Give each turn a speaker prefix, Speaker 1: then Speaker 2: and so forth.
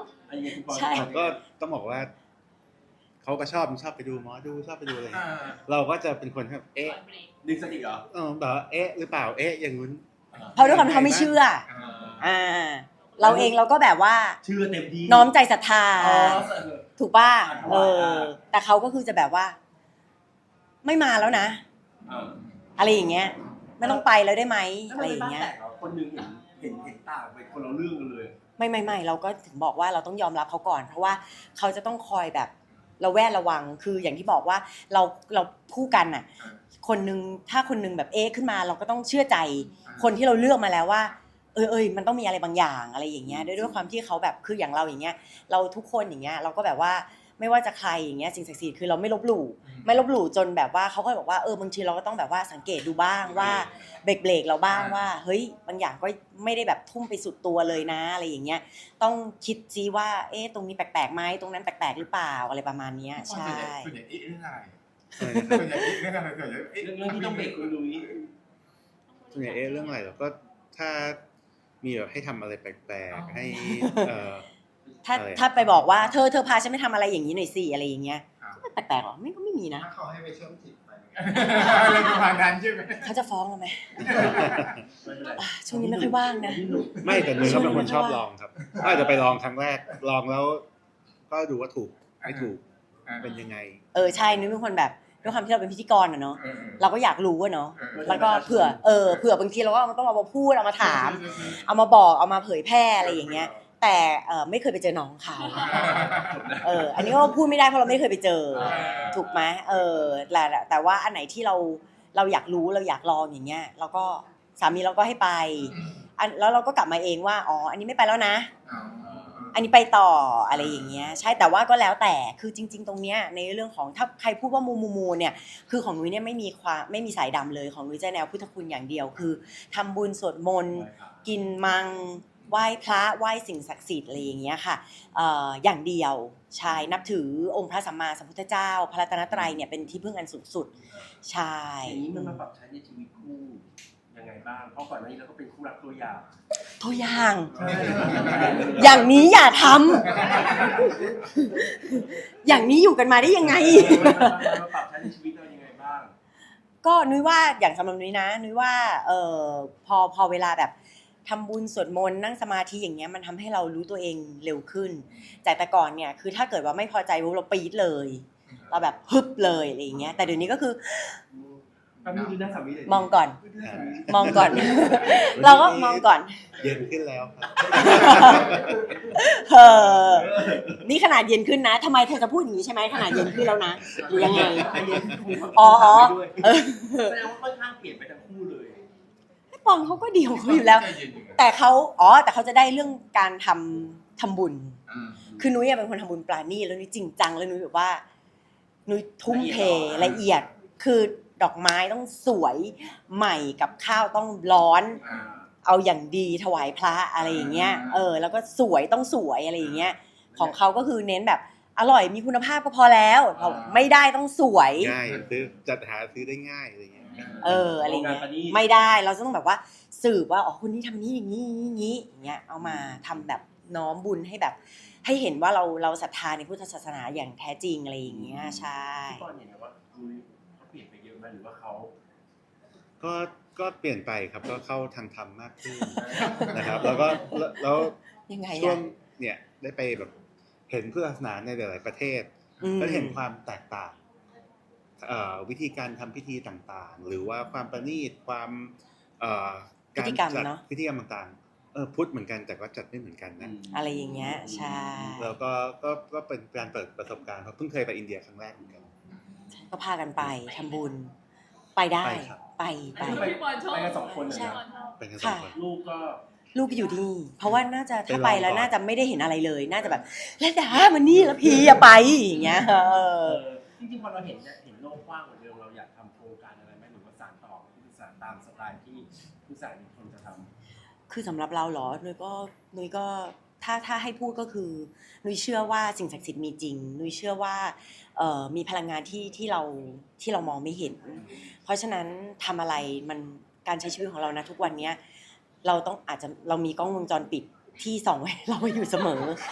Speaker 1: อันนี้คุณปอ
Speaker 2: ใช่
Speaker 3: ก็ต้องบอกว่าเขาก็ชอบไปดูหมอดูชอบไปดูอะไรเราก็จะเป็นคนแบบ
Speaker 1: ดึงสติเหรอ
Speaker 3: แบบหรือเปล่าอย่างนู้น
Speaker 2: เพราะด้วยความที่เขาไม่เชื่อเราเองเราก็แบบว่า
Speaker 1: เชื่อเต็มที่
Speaker 2: น้อมใจศรัทธาถูกป่ะแต่เขาก็คือจะแบบว่า ไม่มาแล้วนะอะไรอย่างเงี้ยไม่ต้องไปแล้วได้ไหมอะไรอย่างเงี้ย
Speaker 1: คนนึงเห็นต่างไปคนละเรื่องกันเลย
Speaker 2: ไม่เราก็ถึงบอกว่าเราต้องยอมรับเขาก่อนเพราะว่าเขาจะต้องคอยแบบระแวดระวังคืออย่างที่บอกว่าเราคู่กันน่ะคนนึงถ้าคนนึงแบบขึ้นมาเราก็ต้องเชื่อใจคนที่เราเลือกมาแล้วว่ามันต้องมีอะไรบางอย่างอะไรอย่างเงี้ยด้วยความที่เขาแบบคืออย่างเราอย่างเงี้ยเราทุกคนอย่างเงี้ยเราก็แบบว่าไม่ว่าจะใครอย่างเงี้ยสิ่งศักดิ์สิทธิ์คือเราไม่ลบหลู่จนแบบว่าเขาก็บอกว่าบางทีเราก็ต้องแบบว่าสังเกตดูบ้างว่าเบรกเราบ้างว่าเฮ้ยบางอย่างก็ไม่ได้แบบทุ่มไปสุดตัวเลยนะอะไรอย่างเงี้ยต้องคิดซิว่าตรงนี้แปลกๆไหมตรงนั้นแปลกๆหรือเปล่าอะไรประมาณนี้ใช่
Speaker 4: ส่วนใหญ่เรื่องอะไร
Speaker 1: เรื่องที่ต้องเบรกคุณลุย
Speaker 3: ส่วนใหญ่เรื่องอะไรเราก็ถ้ามีแบบให้ทำอะไรแปลกๆให้
Speaker 2: ถ้าไปบอกว่าเธอพาฉันไปทำอะไรอย่างนี้หน่อยสิอะไรอย่างเงี้ยก็แปลกๆหรอไม่มีนะ
Speaker 4: ถ้าเขาให้ไปเชื่อมจิตไปอะไรประมาณนั้นใช่ไหม
Speaker 2: เขาจะฟ้องเราไหมช่วงนี้ไม่ค่อยว่างนะ
Speaker 3: ไม่แต่นุ้ยเขาเป็นคนชอบลองครับก็อาจจะไปลองครั้งแรกลองแล้วก็ดูว่าถูกไม่ถูกเป็นยังไง
Speaker 2: ใช่นุ้ยเป็นคนแบบด้วยความที่เราเป็นพิธีกรเนาะเราก็อยากรู้เนาะแล้วก็เผื่อบางทีเราก็ต้องเอามาพูดเอามาถามเอามาบอกเอามาเผยแพร่อะไรอย่างเงี้ยแต่ไม่เคยไปเจอน้องเขาอันนี้ก็พูดไม่ได้เพราะเราไม่เคยไปเจอถูกไหมแต่ว่าอันไหนที่เราอยากรู้เราอยากลองอย่างเงี้ยเราก็สามีเราก็ให้ไปแล้วเราก็กลับมาเองว่าอันนี้ไม่ไปแล้วนะอันนี้ไปต่ออะไรอย่างเงี้ยใช่แต่ว่าก็แล้วแต่คือจริงๆตรงเนี้ยในเรื่องของถ้าใครพูดว่ามูเนี่ยคือของนุ้ยเนี่ยไม่มีสายดำเลยของนุ้ยจะแนวพุทธคุณอย่างเดียวคือทำบุญสวดมนต์กินมังไหว้พระไหว้สิ่งศักดิ์สิทธิ์อะไรอย่างเงี้ยค่ะอย่างเดียวใช่นับถือองค์พระสัมมาสัมพุทธเจ้าพระรัตนตรัยเนี่ยเป็นที่พึ่งอันสูงสุดใช่
Speaker 1: อย่างนี้มันมาปรับใช้ในชีวิตคู่ยังไงบ้างเพราะก่อนหน้านี้เราก็เป็นคู่รักตัวอย่าง
Speaker 2: อย่างนี้อย่าทำอย่างนี้อยู่กันมาได้ยังไง
Speaker 1: มาปรับใช้ในชีวิตเรายังไงบ้าง
Speaker 2: ก็นุ้ยว่าอย่างสำหรับนุ้ยนะนุ้ยว่าพอเวลาแบบทำบุญสวดมนต์นั่งสมาธิอย่างเงี้ยมันทำให้เรารู้ตัวเองเร็วขึ้นจากแต่ก่อนเนี่ยคือถ้าเกิดว่าไม่พอใจเราปี๊ดเลยเราแบบฮึบเลยอะไรอย่างเงี้ยแต่เดี๋ยวนี้ก็คือมองก่อนเราก็มองก่อน
Speaker 3: เย็นขึ้นแล้ว
Speaker 2: นี่ขนาดเย็นขึ้นนะทำไมเธอจะพูดอย่างนี้ใช่ไหมขนาดเย็นขึ้นแล้วนะหรือยังไง
Speaker 1: แสดงว่าค่อนข้างเปลี่ยนไปทั้งคู่เลย
Speaker 2: ปองเขาก็ดีของเขาอยู่แล้วแต่เขาจะได้เรื่องการทำบุญคือนุ้ยเป็นคนทำบุญปราณีตแล้วนุ้ยจริงจังแล้วนุ้ยแบบว่านุ้ยทุ่มเทละเอียดคือดอกไม้ต้องสวยใหม่กับข้าวต้องร้อนเอาอย่างดีถวายพระอะไรอย่างเงี้ยแล้วก็สวยต้องสวยอะไรอย่างเงี้ยของเขาก็คือเน้นแบบอร่อยมีคุณภาพก็พอแล้วไม่ได้ต้องสวย
Speaker 3: ง่ายจัดหาซื้อได้ง่ายอะไรเงี้ย
Speaker 2: อะไรเงี้ยไม่ได้เราต้องแบบว่าสืบว่าคนนี้ทำนี้อย่างนี้อย่างเงี้ยเอามาทำแบบน้อมบุญให้แบบให้เห็นว่าเราศรัทธาในพุทธศาสนาอย่างแท้จริงอะไรอย่างเงี้ยใช่
Speaker 1: ตอนเห็นว่าเขาเปลี่ยนไปเยอะไหมหรือว่าเขา
Speaker 3: ก็เปลี่ยนไปครับก็เข้าทางธรรมมากขึ้นนะครับแล้ว
Speaker 2: ยังไง
Speaker 3: ช่วงเนี่ยได้ไปแบบเห็นพุทธศาสนาในหลายๆประเทศก็เห็นความแตกต่างวิธีการทำพิธีต่างๆหรือว่าความประณีตความ
Speaker 2: การจัด
Speaker 3: พิธีกรรมต่างๆพุทธเหมือนกันแต่ก็จัดไม่เหมือนกันนะ
Speaker 2: อะไรอย่างเงี้ยใช่
Speaker 3: แล้วก็เป็นการเปิดประสบการณ์เพราะเพิ่งเคยไปอินเดียครั้งแรกเหมือนกัน
Speaker 2: ก็พากันไปทำบุญไปได้ไป
Speaker 1: กัน2 คน
Speaker 3: นะไปกัน2 คน
Speaker 2: ลูกอยู่ที่เพราะว่าน่าจะถ้าไปแล้วน่าจะไม่ได้เห็นอะไรเลยน่าจะแบบแล้วดามันนี่แล้วพี่อย่าไปอย่างเงี้ย
Speaker 1: จริงๆพอเราเห็นโลกกว้างกว่าเดิมเราอยากทำโครงการอะไรไหมหรือว่าสานต่อพุทธศาสนาตามสไตล์ที่พุทธศาสนาคนจะทำ
Speaker 2: คือสำหรับเราเหรอนุ้ยก็ถ้าให้พูดก็คือนุ้ยเชื่อว่าสิ่งศักดิ์สิทธิ์มีจริงนุ้ยเชื่อว่ามีพลังงานที่เรามองไม่เห็นเพราะฉะนั้นทำอะไรมันการใช้ชีวิตของเรานะทุกวันนี้เรามีกล้องวงจรปิดที่ส่องไว้เราอยู่เสมอ